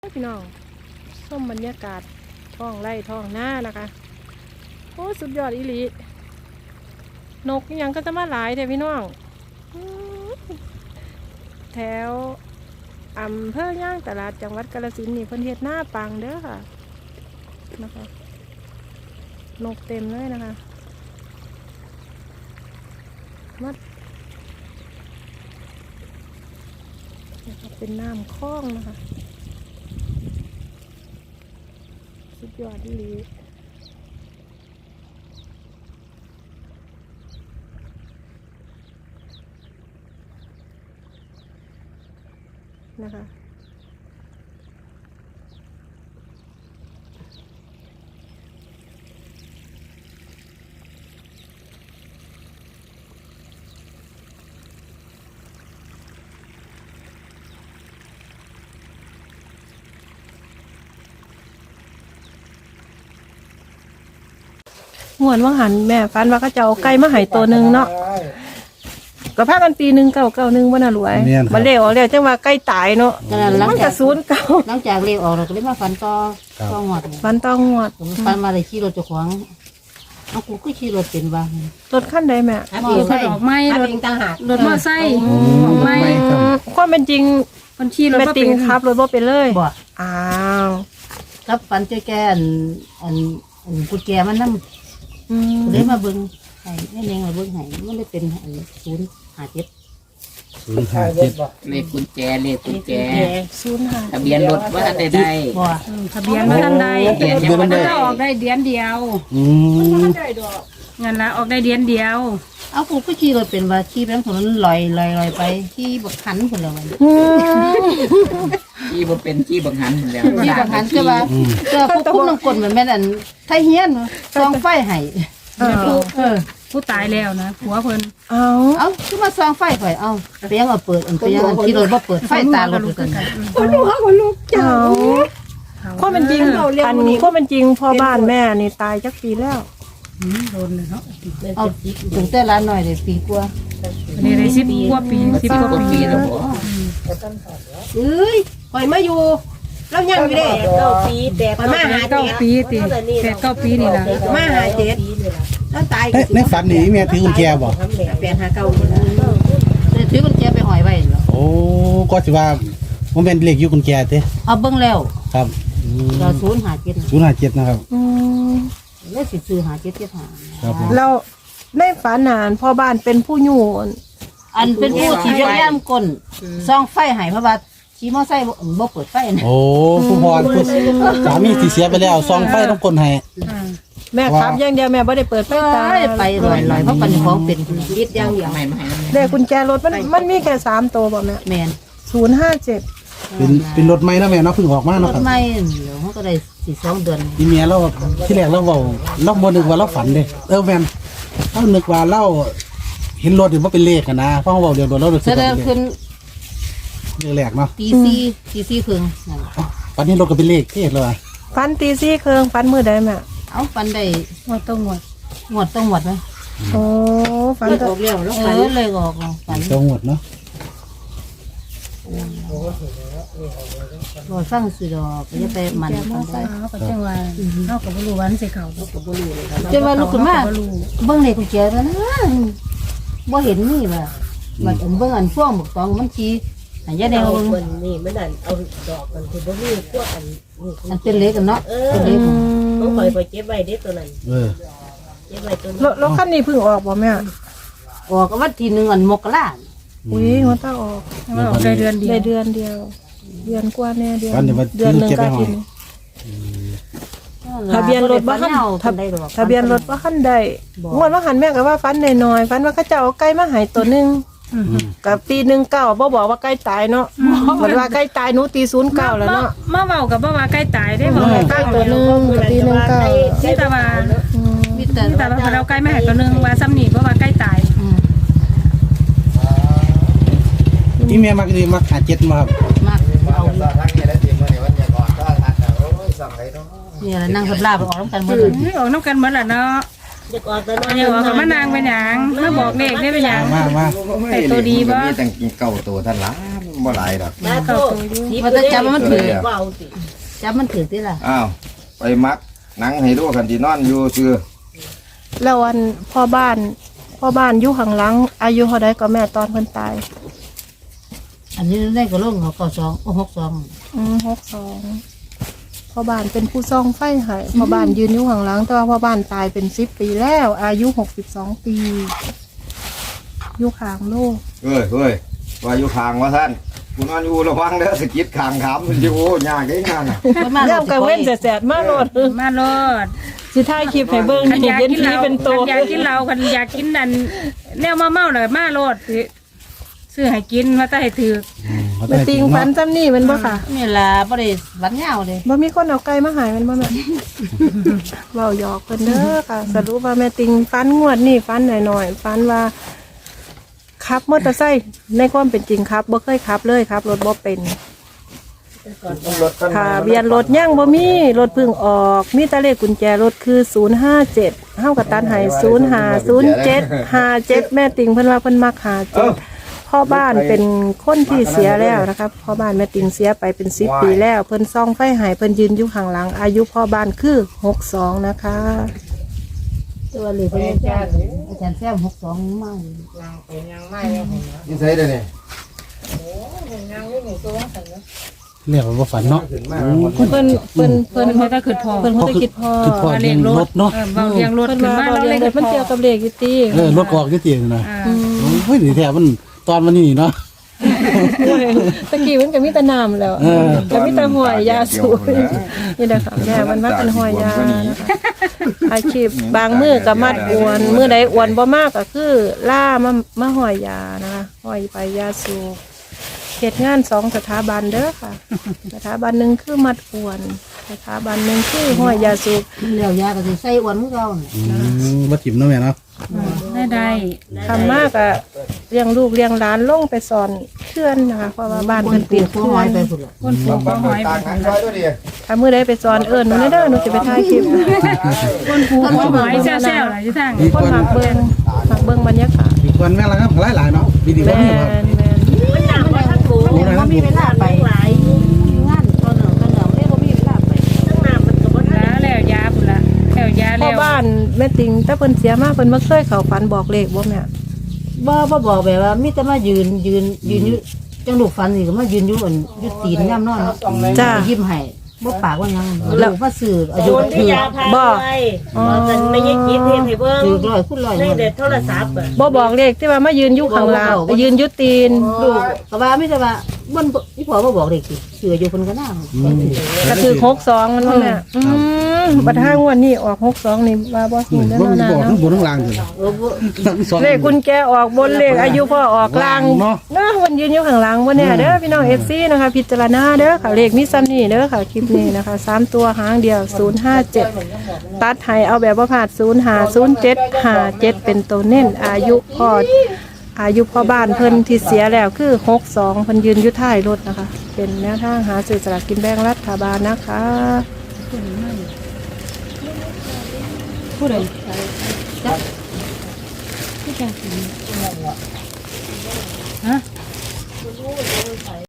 พี่น้องส้มบรรยากาศท้องไร่ท้องหน้านะคะโอ้สุดยอดอีหลีนกยังก็จะมาหลายแต่พี่น้องแถวอำเภอย่างตลาดจังหวัดกาฬสินธุ์นี่เพิ่นเฮ็ดหน้าปังเด้อค่ะนะคะนกเต็มเลยนะคะมัดเป็นน้ำคลองนะคะสุดยอดดีนะคะงวนว่างหันแม่ฟันว่าก็จะเอาไก่มาให้ตัวหนึ่งเนาะก็พากันปี1 991ว่าน่ะรวยมาเลี้ยวจังว่าไก่ตายเนาะมันก็09 หลังจากเลี้ยวออกเราก็เลยมาฟันต่อหอดฟันต้องงวดฟันมาเลยขี่รถเจ้าของเอากูก็ขี่รถเป็นบ้างรถขั้นใดแม่รถออกไม้รถต่างหากรถมอไซค์ออกไม้ความเป็นจริงคนขี่รถมาเป็นครับรถบ่เป็นเลยบ่อ้าวกับฟันเจ้าแก่อันกุญแจมันนำเลยมาเบิ่งให้แม่เองมาเบิ่งให้มันเลยเป็น057 เลขกุญแจ 05 ทะเบียนรถว่าได้บ่ทะเบียนมาทันใดทะเบียนยังไม่ได้ออกได้เดือนเดียวงั้นละออกได้เดือนเดียวเอากูก็ขี่รถเป็นว่าขี่ไปทางถนนลอยไปขี่บักหันพุ่นแล้วมันที่บ่เป็นที่บังหันแล้วขี่บักหันคือว่าพวกคุณน้ำกลเหมือนแม่นอันไทเฮียนซองไฟให้ผู้ตายแล้วนะผัวเพิ่นเอาคือมาซองไฟข่อยเอาเปียงเอาเปิดเปียงขี่รถบ่เปิดไฟตาลดกันคนลูกเจ้าความเป็นจริงอันนี้ความเป็นจริงพ่อบ้านแม่นี่ตายจักปีแล้วโดนเลยเนาะเอาถึงแต่ร้านหน่อยเลยปีกว่านี่ได้10 กว่าปี10 กว่าปีแล้วบ่เอ้ยข่อยมาอยู่แล้วยังอยู่เด้9 ปีแต่ข่อยมาหา 9 ปีติ8 9 ปีนี่ล่ะมาหา7แล้วตายในฝันนี่แม่ถือกุญแจบ่ 859นี่ล่ะเลยถือกุญแจไปห้อยไว้เหรอโอ้ก็สิว่ามันเป็นเลขอยู่กุญแจเด้เอาเบิ่งแล้วครับก็057 นะครับแล้วสิซื้อ5775 ครับแล้วในฝันนานพ่อบ้านเป็นผู้อยู่อันเป็นผู้ที่ย่ำก้นซองไฟให้เพราะว่าขี่มอไซค์บ่เปิดไฟนะโอ้ผู้พรผู้สามีที่เสียไปแล้วซองไฟต้องคนให้แม่ครับอย่างเดียวแม่บ่ได้เปิดไฟตาไปลอยเพราะปันของเป็นยึดอย่างเดียวแต่กุญแจรถมันมีแค่3ตัวบ่แม่แม่น 057 เป็นรถใหม่นะแม่เนาะเพิ่งออกมาเนาะครับรถใหม่เฮาก็ได้2 เดือนอีเมียเราที่แรกเราเว้าเราบ่นึกว่าเราฝันเด้แม่นเรานึกว่าเราเห็นรถนี่บ่เป็นเลขกันนะเพราะเว้าเดี๋ยวรถเรารู้สึกว่าขึ้นแรกเนาะตี4ครึ่งนั่นปันนี้รถก็เป็นเลขเทศแล้วอ่ะฟันตี4 ครึ่งฟันมื้อใดแม่เอาฟันได้งวดต้องงวดมั้ยโอ้ฟันออกแล้วแล้วฟันเลยออกฟันต้องหมดเนาะบ่ฟังสิดอกอย่าไปมันฟังไปก็จังว่าเฮาก็บ่รู้วันสิเข้าก็บ่รู้เลยจังว่าลุกขึ้นมาเบิ่งเลขกุญแจแล้วนะบ่เห็นมีว่ามันเบิ่งอันฟ่วงบักตองมันชี้อันยาแดงมันนี่มันนั่นเอาดอกมันคือบ่มีพวกอันเป็นเล็กกันเนาะเป็นเล็กต้องคอยเก็บไว้เด้ตัวนั้นเก็บไว้ตัวนั้นรถคันนี้เพิ่งออกบ่แม่ออกก็วันที่1อันมกราอุ้ยหัวตาออกได้เดือนเดียวเดือนกว่าแน่เดือนนึงก็กินทะเบียนรถบ่ทันทะเบียนรถบ่ทันได้งวดว่าหันแม่ก็ว่าฟันน้อยๆฟันว่าเขาจะเอาไก่มาให้ตัวนึงกับปี19บ่บอกว่าใกล้ตายเนาะเหมือนว่าใกล้ตายหนูตี09แล้วเนาะมาเว้ากับบ่ว่าใกล้ตายได้บ่ใกล้ตัวนึงกับปี19 นี่แต่ว่าเราใกล้แม่ตัวนึงว่าซ้ำนี่บ่ว่าใกล้ตายอีเมียมักดีมักหา7มาครับมักเอาเนี่ยนั่งกับลาบออกนำกันหมดออกนำกันหมดล่ะเนาะอยากออกแต่น้อยอยากออกกับมานางเป็นหยังมาบอกเลขได้เป็นหยังมาไอ้ตัวดีบ่มีตั้งเก่าตัวท่านละบ่หลายดอกนะโตมันจะจับมันถือจับมันถือที่ล่ะอ้าวไปมักหนังให้ดูคันที่นอนอยู่ซื่อแล้ววันพ่อบ้านอยู่ข้างหลังอายุเท่าใดก็แม่ตอนเพิ่นตายอันนี้ได้ก็ลงเขา92โอ้62 62พ่อบ้านเป็นผู้ซ่องไฟให้พ่อบ้านยืนอยู่ข้างหลังแต่ว่าพ่อบ้านตายเป็น10 ปีแล้ว อายุ62 ปีอยู่ข้างโลกเฮ้ยว่าอยู่ข้างว่าท่านกูนอนอยู่ระวังเด้อสะกิดข้างขามมันอยู่ยากได้งานน่ะเริ่มกังเว้นแสดๆมาโลดมาโลดสิถ่ายคลิปให้เบิ่งคันนี่อยากเย็นกินทีเหล้าเป็นโตคันอยากกินเหล้าคันอยากกินนั่นแนวเมาๆน่ะมาโลดสิซื้อให้กินว่าแต่ให้ถือเขาแม่ได้ติงฝันซ้ำนี่แมันบ่ค่ะนี่ล่ะบ่ได้หวันยาวเลยบ่มีคนเอาไก่มาใหายมันบ่แม่ เว้าหยอกเพิ่นเด้อค่ะ สรุปว่าแม่ติงฝันงวดนี่ฝันหน่อยๆฝันว่าขับมอเตอร์ไซค์ในความเป็นจริงครับบ่เคยขับเลยครับรถบ่เป็นค่ะเบียนรถยังบ่มีรถเพิ่งออกมีแต่เลขกุญแจรถคือ057เฮาก็ตัดให้050757แม่ติงเพิ่นว่าเพิ่นมัก57พ่อบ้านเป็นคนที่เสียแล้วนะครับพ่อบ้านแม่ติงเสียไปเป็น10 ปีแล้วเพิ่นซ่องไฟหายเพิ่นยืนอยู่ข้างหลังอายุพ่อบ้านคือ62นะคะตัวเลยเพิ่นอาจารย์แซม62มานี่ใส่ได้นี่เรียกว่าฝันเนาะเพิ่นเพิ่นเขาจะขึ้นพอเพิ่นคงจะคิดพอคือพ่อเลี้ยงรถเนาะเบาเลี้ยงรถเพิ่นขึ้นมามาเราเราเรีเลย ยนมันเกี่ยวกับเลขอยู่ติรถออกที่ตีนะอ่าเฮ้ยนี่แท้มันตอนมันนี่เนาะตะกี้มันก็มีแต่น้ำแล้วเออก็มีแต่ห้อยยาสูบนี่นะคะแม่มันมาเป็นห้อยยานะคะอาชีพบางมื้อก็มัดอวนมื้อใดอวนบ่มากก็คือล่ามาห้อยยานะคะห้อยไปยาสูบเฮ็ดงาน2สถาบันเด้อค่ะ สถาบันหนึงคือมัดอวนสถาบันหนึงคือห้อยยาสูบแล้วยาก็สิใส่อ้วนคือเก่าน่ะมาจิ้มเนาะแม่เนาะได้ทำมากอะเลี้ยงลูกเลี้ยงหลานลงไปสอนเพื่อนนะคะเพราะว่าบ้านคเพิ่นนปีปินดหัวเพื่หออยนไปพุ่นล่ะคนปลูกก็หอยต่างกันค่อยด้วยดิถ้ามื้อใดไปสอนหนูเด้อหนูจะไปถ่ายคลิปคนปลูกก็หอยแซ่บๆล่ะที่ทางมีคนมักเบิ่งบรรยากาศมีคนแม่ละครับหลายๆเนาะดีๆแมว่ามีครับนแม่นบ่มีเวลาไปงานตอนนั้นเลยบ่มีเวลาไปแล้วยาพุ่นละแล้วยาพ่อแล้วบ้านแม่ติงถ้าเพิ่นเสียมาเพิ่นบ่เคยเข้าฝันบอกเลขบ่แม่บ่บอกแบบว่ามีแต่มายืนอยู่จังลูกฟันนี่ก็มายืนอยู่อันอยู่ตีนย่ำนอนเนาะจ้ายิ้มให้บ่ปากว่าหยังลูกมาซื้ออายุถือบ่อ๋อไม่ใช่คิดเห็นให้เบิ่งถือร้อยคูณร้อยในเด็ดโทรศัพท์อะบ่บอกเลขที่ว่ามายืนอยู่ข้างหล่างไปยืนอยู่ตีนลูกก็ว่ามีแต่ว่าบ่อีพ่อบ่บอกเด็กสิเสืออยู่เพิ่นก็น่าก็คือ62มันว่าแม่บัดทางงวดนี้ออก62นี่ว่าบ่ฮู้บ่แน่นอนมีบอกทั้งนะบนทั้งล่างเลยทั้งสองเลขกุญแจออกบนเลขอายุพ่อออกล่างเนาะเนาะมันยืนอยู่ข้างหลังบ่แน่เด้อพี่น้อง FC นะคะพิจารณาเด้อค่ะเลขมีซ้ำนี่เด้อค่ะคลิปนี้นะคะ3ตัวหางเดียว057ตัดให้เอาแบบบ่พลาด050757เป็นตัวเน้นอายุพ่อบ้านเพิ่นที่เสียแล้วคือ62เพิ่นยืนอยู่ท้ายรถนะคะ เป็นแนวทางหาซื้อสลากกินแบ่งรัฐบาลนะคะผู้ใด ฮะ